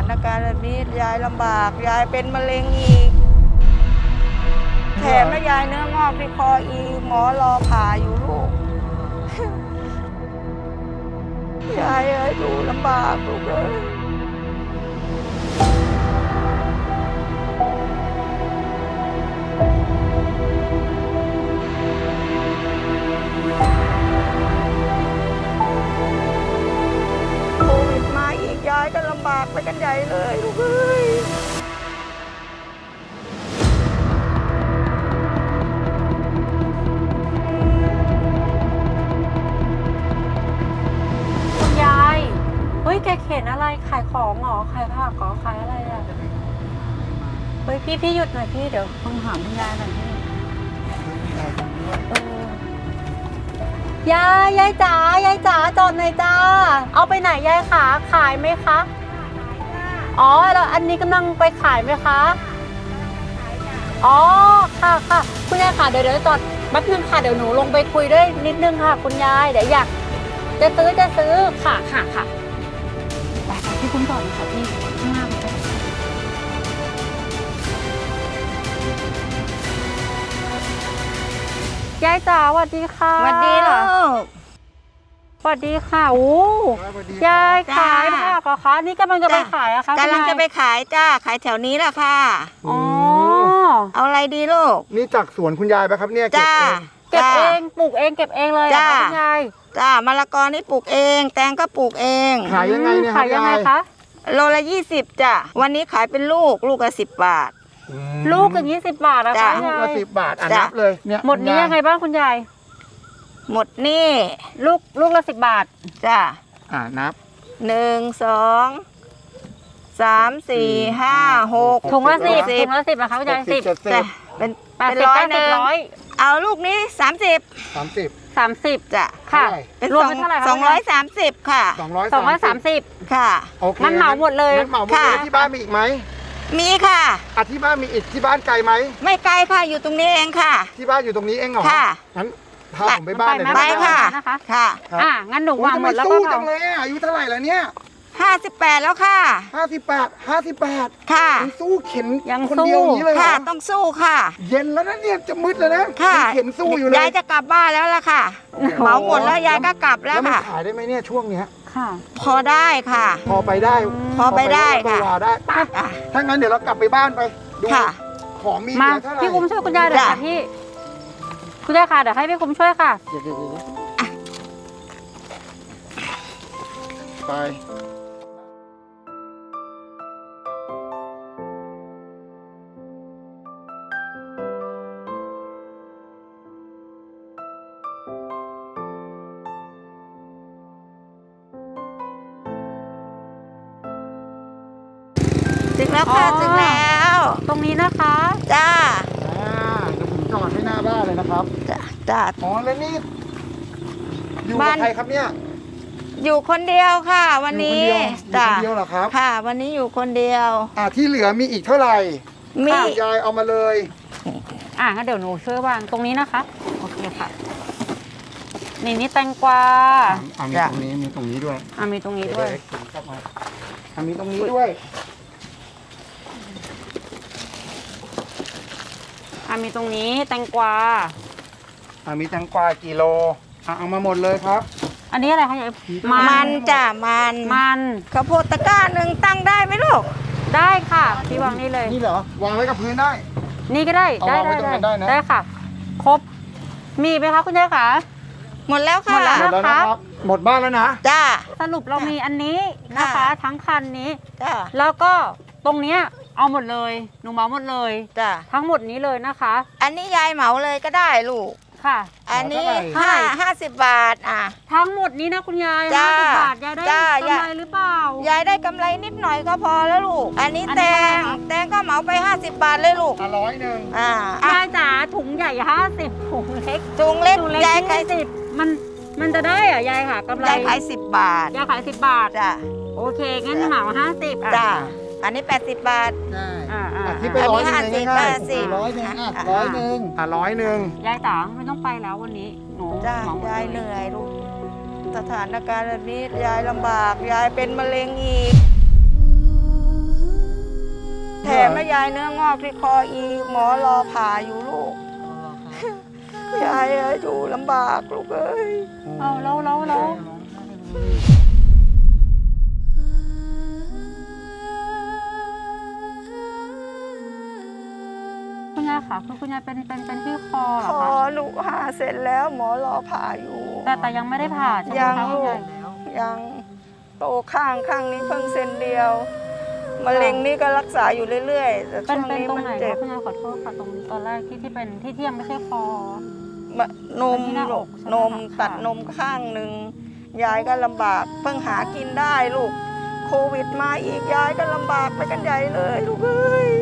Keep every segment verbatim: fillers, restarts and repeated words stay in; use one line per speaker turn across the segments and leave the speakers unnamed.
านการณ์แบบนี้ยายลำบากยายเป็นมะเร็งอีกแถมแม่ยายเนื้องอกที่คออีกหมอรอผ่าอยู่ลูก ยายเอ้ยดูลำบากลูกเอ้ยโควิดมาอีกยายก็ลำบากไปกันใหญ่เลยลูกเอ้ย
เฮ้ยแกเข็นอะไรขายของเหรอขายผักเหรอขายอะไรอ่ะเฮ้ยพี่พี่หยุดหน่อยพี่เดี๋ยวต้องถามคุณยายหน่อยพี่เออยายยายจ๋ายายจ๋าจอดหน่อยจ้าเอาไปไหนยายขาขายไหมคะอ๋อแล้วอันนี้กำลังไปขายไหมคะอ๋อค่ะค่ะคุณยายค่ะเดี๋ยวเดี๋ยวจอดแป๊บนึงค่ะเดี๋ยวหนูลงไปคุยด้วยนิดนึงค่ะคุณยายเดี๋ยวอยากจะซื้อจะซื้อค่ะค่ะค่ะพี่คุ้มก่อนค่ะพี่ข้างหน้าไปยายจ๋าสวัสดีค่ะ
สวัสดีเหรอ
สวัสดีค่ะโอ้ยายขายผักเหรอคะนี่กำลังจะไปขายอะคะ
กำลังจะไปขายจ้าขายแถวนี้แหละค่ะ
อ๋อ
เอาอะไรดีลูก
นี่จากสวนคุณยายปะครับเนี่ยเก็บ
จ้า
เอง
เก็บเองปลูกเองเก็บเองเลยเหรอคะคุณยาย
จ้ามะละกอนี่ปลูกเองแตงก็ปลูกเอง
ขายยังไงเนี่ยค
ขา
รับ
ยยังไง
ยาย
คะ
โลละยี่สิบจ้ะวันนี้ขายเป็นลูกลูกละสิบบาท
อืม
ลูกอย่างนี้สิบบาทอะ
จ้ะ
คะ
ลูก
ยา
ละ
ย
สิบบาทอ่ะ
จ้ะ
นับเลยเนี่ย
หมดนี้ยังไงบ้างคุณยาย
หมดนี่
ลูกลูกละสิบบาท
จ้ะ
อ่านับ
หนึ่งสองสามสี่ห้าหก
ถุงละสิบ
สิ
ถุ
บ
งละสิบนะคะคุณยายสิบ
เจ็ดสิ
จ้ะ
บ
เป็น
แปด
เป็น
สิบ
ร้อย
เก้า
ห
สิบ
นึ่ง
ร้อย
เอาลูกนี้สามสิบ
สามสิบ
สามสิบ
จ้ะ
ค่ะ
เป็น
รวม
สอง
เป็นเท่าไหร่คะ
สองร้อยสามสิบค่ะ
สองร้อย
สองร้อยสามสิบ
ค่ะ
โอเค
งั้นเหมาหมดเลย
งั้นเหมาหมดเลย
ค่ะ
ที่บ้านมีอีกไหม
มีค่ะ
อ่ะที่บ้านมีอีกที่บ้านไกลไหม
ไม่ไกลค่ะอยู่ตรงนี้เองค่ะ
ที่บ้านอยู่ตรงนี้เองเหรอ
ค่ะ
งั้นพาผมไปบ้านหน่อย
ไป
ได้ไหม
ค่ะ
นะคะ
ค่ะ
ครับ
อ่ะงั้นหนู
โอ้ยว
าง
ทำ
ห
ไม
มดแล้วก็
สู้
เผา
จังเลยอ่ะอายุเท่าไหร่แล้วเนี่ย
ห้าสิบแปดแล้วค่ะ
ห้าสิบแปดห้าสิบแปด
ค่ะ
ยังสู้เข็น
ยัง
คน
สู้
เดียวอย่างนี้เลยเหร
ค่ะ
อ
ต้องสู้ค่ะ
เย็นแล้วนะเนี่ยจะมืดแล้วนะ
ค่ะ
ยังเข็นสู้อยู่เลย
ยายจะกลับบ้านแล้วล่ะค่ะ เหมาหมดแล้วยายก็กลับแล้ว
แล้วมัน
ค่ะ
ขายได้ไหมเนี่ยช่วงเนี้ย
ค่ะ
พอได้ค่ะ
พอไปได้
พอไปได้ค่ะ
พอไปได้
อ่ะ
ถ้างั้นเดี๋ยวเรากลับไปบ้านไปดู
ค่ะ
ของมีเห
มา
ลือเท่าไหร่
พี่คุ้มช่วยคุณยายหน่อย
จ้ะ
ค่ะพี่คุณยายค่ะเดี๋ยวให้พี่คุ้มช่วยค่ะ
เดี๋ยวเดี๋ยวเดี๋ยวไป
ถึงแล้วค่ะ
อ๋อ
ถึงแล้ว
ตรงนี้นะคะ
จ้า
อ่าเดี๋ยวผมจอดให้หน้าบ้านเลยนะครับ
จ้าจ้า
อ๋อแล้วนี่อยู่
บ้า
กับ
น
ใครครับเนี่ย
อยู่คนเดียวค่ะ วันนี้
อยู่
จ้า
คนเดียวอยู่คนเดียวเหรอครับ
ค่ะ วันนี้อยู่คนเดียว
อ่าที่เหลือมีอีกเท่าไหร่
มี
ยายเอามาเลย
อ่ะงั้นเดี๋ยวหนูช่วยวางตรงนี้นะคะโอเคค่ะนี่นี่แตงกวา
อ่ามีตรงนี้มีตรงนี้ด้วย
อ่ะมีตรงนี้ด้วย
เดี๋ๆเข้ามาอ่ามีตรงนี้ด้วย
อ่ะมีตรงนี้แตงกวา
อ่ามีแตงกวากี่โลอ่าเอามาหมดเลยครับ
อันนี้อะไรคะยาย
มันจ้ามัน
มัน
ข้าวโพดตะกร้าหนึ่งตั้งได้ไหมลูก
ได้ค่ะพี่วางนี่เลย
นี่เหรอวางไว้กับพื้นได้
นี่ก็ได้
เอา
ได้
วางไว้
ได้
ตรงนั้นได้นะ
ได้ค่ะ ครบมีไหมคะคุณยายคะ
หมดแล้ว
หม
ค่ะ
ดแล้ว
หมดแล้วนะครับ หมดบ้านแล้วนะ
จ้า
สรุปเรามีอันนี้นะคะ
ค่ะ
ทั้งคันนี้
จ้า
แล้วก็ตรงเนี้ยเอาหมดเลยหนูเหมาหมดเลย
จ้า
ทั้งหมดนี้เลยนะคะ
อันนี้ยายเหมาเลยก็ได้ลูก
ค่ะ
อันนี้
เหมาเท่าไหร่
ห้าห้าสิบบาทอ่ะ
ทั้งหมดนี้นะคุณยาย
จ้า
ห้าสิบบาทยายได้
จ้าก
ำไรหรือเปล่าย
ายได้กำไรนิดหน่อยก็พอแล้วลูก อันนี้
อัน
แต
นี้
ง
เท่าไหร่คะ
แตงก็เหมาไปห้าสิบบาทเลยลูก
อ่ะร้อยหนึ่ง
อ่าอ่ะ
ยายจ๋าถุงใหญ่ห้าสิบถุงเล็ก
จุงเล็ก
ถุงเล็ก
ยายขาย
ยี่สิบมันมันจะได้เหรอยายค่ะกำไร
ยายขายสิบบาท
ยายขายสิบบาท
จ้า
โอเคงั้นเหมาห้าสิบอ่ะ
จ้า อันนี้แปดสิบบาท
ได้
อ่าอ่า
อ่ะ
อ่า
ที่ไปร้อยหนึ่ง
อันนี้
ง่าย
ห้าสิบ
ๆร้อยหนึ่งอ่ะ
อ่ะ
ร้อยหนึ่งอ่ะร้อยหนึ่ง
ยายจ๋าไม่ต้องไปแล้ววันนี้หนู
จ้า
เหมหมด
ยาย
เล
เหนื่อยลูก สถานการณ์แบบนี้ยายลำบาก ยายเป็นมะเร็งอีกายเนื้องอกที่คออีกหมอรอผ่าอยู่ลูกยายเอ้ยอยู่ลำบากลูกเอ้ย
เอาแล้วแล้วแล้วคุณยายค่ะคือคุณยายเป็นเป็นเป็นที่คอเหร
ค
อ
อ
คะ
ลูกผ่าเสร็จแล้วหมอรอผ่าอยู่
แต่แต่ยังไม่ได้ผ่าใช่ไหม
ยัง
คะคุณ
ลู
ยาก ย
ยังโตข้างข้างนี้เพิ่งเซนเดียวมะเร็งนี่ก็รักษาอยู่เรื่อยๆแต่
เป็
ช่
น
วง
เป็น
นี้
ตรง
มัน
ไหน
เจ็
คะ
บ
คุณยายขอโทษค่ะตรงตอนแรกที่ที่เป็นที่ที่ยังไม่ใช่คอ
มะนม
เป็นที่หน้าอก
ลูก
ใช่ไหม
นม
คะ
ตัดนมข้างหนึ่งยายก็ลำบากเพิ่งหากินได้ลูกโควิดมาอีกยายก็ลำบากไปกันใหญ่เลยลูกเอ้ย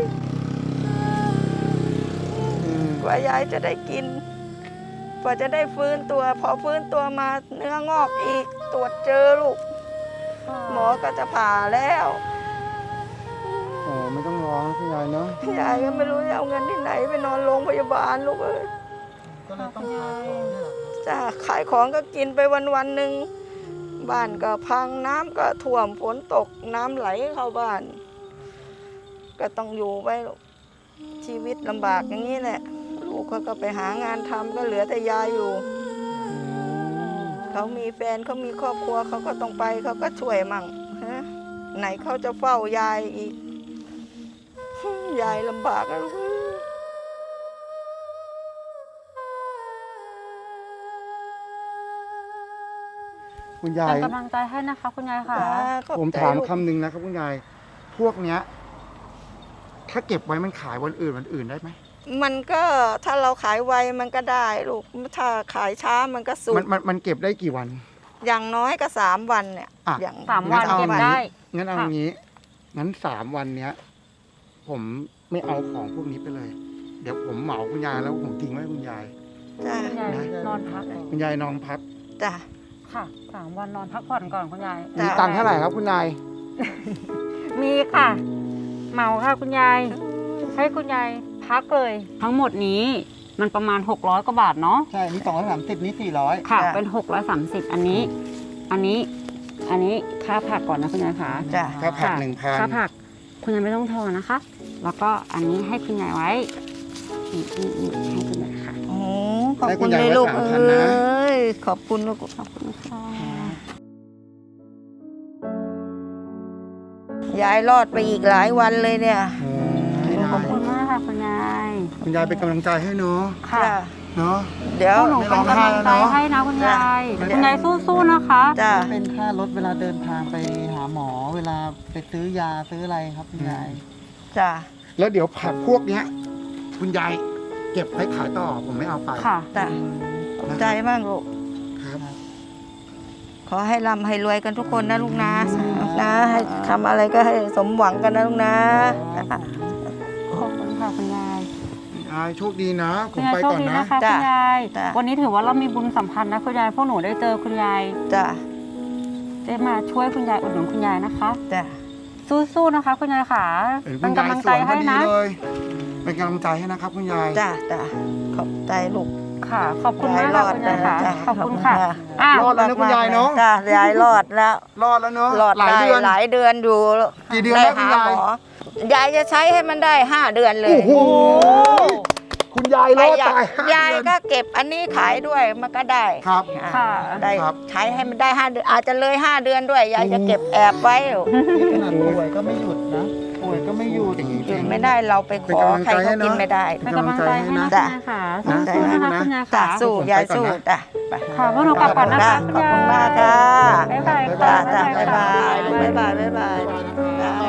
กว่ายายจะได้กินกว่าจะได้ฟื้นตัว พอฟื้นตัวมาเนื้องอกอีกตรวจเจอลูก หมอก็จะผ่าแล้ว
โอ้ไม่ต้องร้องนะคุณยายเนาะ
ยายก็ไม่รู้จะเอาเงินที่ไหนไปนอนโรงพยาบาลลูกเอ้ย
ก็เลยต้องขายของนี่แหละ
จ้าขายของก็กินไปวันวันๆหนึ่งบ้านก็พังน้ำก็ท่วมฝนตกน้ำไหลเข้าบ้าน ก็ต้องอยู่ไปลูกชีวิตลำบากอย่างนี้แหละ ลูกเขาก็ไปหางานทำก็เหลือแต่ยายอยู่ เขามีแฟนเขามีครอบครัวเขาก็ต้องไปเขาก็ช่วยมั่งฮะไหนเขาจะเฝ้ายายอีก ยายลำบากนะลูก
คุณยาย
เป็นกำลังใจให้นะคะคุณยายค่ะ
จ้าขอบ
ผม
ใจ
ถาม
ลูก
คำหนึ่งนะครับคุณยาย พวกเนี้ย ถ้าเก็บไว้มันขายวันอื่นวันอื่นได้ไหม
มันก็ถ้าเราขายไวมันก็ได้ลูกถ้าขายช้ามันก็สู
มันมันมันเก็บได้กี่วัน
อย่างน้อยก็สามวันเนี่ย
อ่ะ
อย่าง
สามวัน
งั้นเอา
เก็บ
งี้
ได้
งั้นเอา
ค่ะ
งี้ งั้นสามวันเนี้ย ผมไม่เอาของพวกนี้ไปเลย เดี๋ยวผมเหมาคุณยายแล้วผมทิ้งไว้ให้คุณยาย
จ้า
คุณยายนอนพัก
คุณยายนอนพัก
จ้า
ค่ะสามวันนอนพักผ่อนก่อนคุณยาย
จ้ะ
มีตังค์เท่าไหร่ครับคุณยาย
มีค่ะ เหมาค่ะคุณยาย ให้คุณยายพักเลย ทั้งหมดนี้มันประมาณหกร้อยกว่าบาทเนาะ
ใช่ นี่สองร้อยสามสิบนี่สี่ร้อย
ค่ะ เป็นหกร้อยสามสิบอันนี้ อันนี้ อันนี้ค่าผักก่อนนะคุณยายค่ะ
จ้า
ค่าผัก
ค่ะ
หนึ่งพัน
ค่าผัก คุณยายไม่ต้องทอนนะคะ แล้วก็อันนี้ให้คุณยายไว้นี่นี่นี่ให้คุณยายค่ะ
โอ้ขอบคุณเลยลูกเอ้ยขอบคุณลูก
ขอบคุณค่ะ
ยายรอดไปอีกหลายวันเลยเนี่ย
ขอบคุณมากค่ะคุณยาย
คุณยายเป็นกำลังใจให้เนาะ
ค่ะ
จ้า
เนาะ
เดี๋ยว
พวกหนูเป็นกำลังใจให้นะคุณยาย
จ้ะ
คุณยายสู้ๆนะคะ
จ้า
เป็นค่ารถเวลาเดินทางไปหาหมอเวลาไปซื้อยาซื้ออะไรครับคุณยาย
จ้า
แล้วเดี๋ยวผักพวกเนี้ย คุณยายเก็บไว้ขายต่อผมไม่เอาไป
ค่ะ
จ้าขอบใจมากลูก
ครับ
ขอให้ร่ำให้รวยกันทุกคนนะลูกนะนะให้ทำอะไรก็ให้สมหวังกันนะลูกนะ
ขอบคุณค่ะคุณยาย
ยายโชคดีนะ ผ
คุณ
ม
ยาย
ไป
โชค
ก่อน
ดี
นะ
นะคะ
จ้ะ
คุณยาย
จ้ะ
วันนี้ถือว่าเรามีบุญสัมพันธ์นะคุณยาย พวกหนูได้เจอคุณยาย
จ้า
ได้มาช่วยคุณยายอุดหนุนคุณยายนะคะ
จ้า
สู้ๆนะคะ คุณยายค่ะ
เห็นคุ
เป็น
ณยาย
กำลัง
ส
ใจ
วยพอ
ให้
ดี
นะ
เลย เป็นกำลังใจให้นะครับ คุณยาย
จ้าจ้าขอบใจลูก
ค่ะ ขอบคุณมากค่ะคุณยายค่ะ
จ้ะ
ขอบคุณค่ะอ่ะ
รอดแล้วนะคุณยายเนาะ
จ้ายายรอดแล้ว
รอดแล้วเนาะ
รอด
หลาย
ได้
เดือน
หลายเดือนอยู่
กี่เดือน
ได้
แล้วคุณ
หาย
าย
หมอยายจะใช้ให้มันได้ห้าเดือนเลย
โอ้โห คุณยายรอดตายห้าย
าย
เดือน
ก็เก็บอันนี้ขายด้วยมันก็ได้
ครับ
อ่า
ค่ะ
ได้
ครับ
ใช้ให้มันได้ห้าเดือนอาจจะเลยห้าเดือนด้วยยายจะเก็บแอบไว้อยู่
ขนาดป่วยก็ไม่หยุดนะ ป่วยก็ไม่หยุด
อย่างนี้
หยุดไม่ได้เราไปขอใครเขากินไม่ได้
เป็นกำลังใจให้นะ
จ้ะ
คุณยายค่ะสู้ๆนะคะคุณยาย
จ้ะ
ค่ะ
สู้ยายสู้จ้ะไป
ค่ะพวกหนูกลับก่อนนะคะ
ขอบคุณมากค่ะ
บ๊ายบาย
จ้ะ
ค่ะ
จ้ะบ๊ายบาย
บ๊ายบาย
บ๊ายบายบ๊ายบายจ้ะ